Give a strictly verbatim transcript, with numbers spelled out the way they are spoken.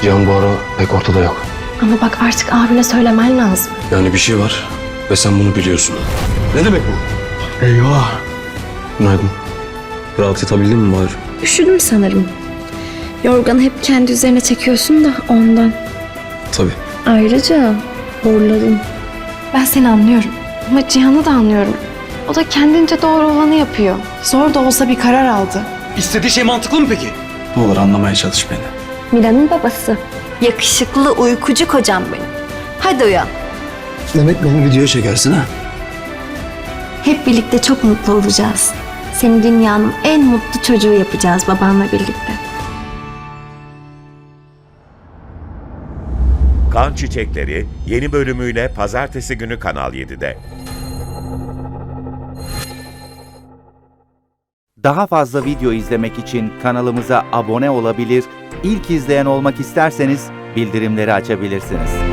Cihan bu ara pek ortada yok. Ama bak artık abine söylemen lazım. Yani bir şey var ve sen bunu biliyorsun. Ne demek bu? Eyvah. Günaydın. Rahat yatabildin mi bari? Üşüdüm sanırım. Yorganı hep kendi üzerine çekiyorsun da ondan. Tabii. Ayrıca horladın. Ben seni anlıyorum. Ama Cihan'ı da anlıyorum. O da kendince doğru olanı yapıyor. Zor da olsa bir karar aldı. İstediği şey mantıklı mı peki? Ne olur anlamaya çalış beni. Mira'nın babası. Yakışıklı uykucu kocam benim. Hadi uyan. Demek beni videoya çekersin ha? Hep birlikte çok mutlu olacağız. Seni dünyanın en mutlu çocuğu yapacağız babanla birlikte. Kan Çiçekleri yeni bölümüyle pazartesi günü Kanal yedide. Daha fazla video izlemek için kanalımıza abone olabilir, ilk izleyen olmak isterseniz bildirimleri açabilirsiniz.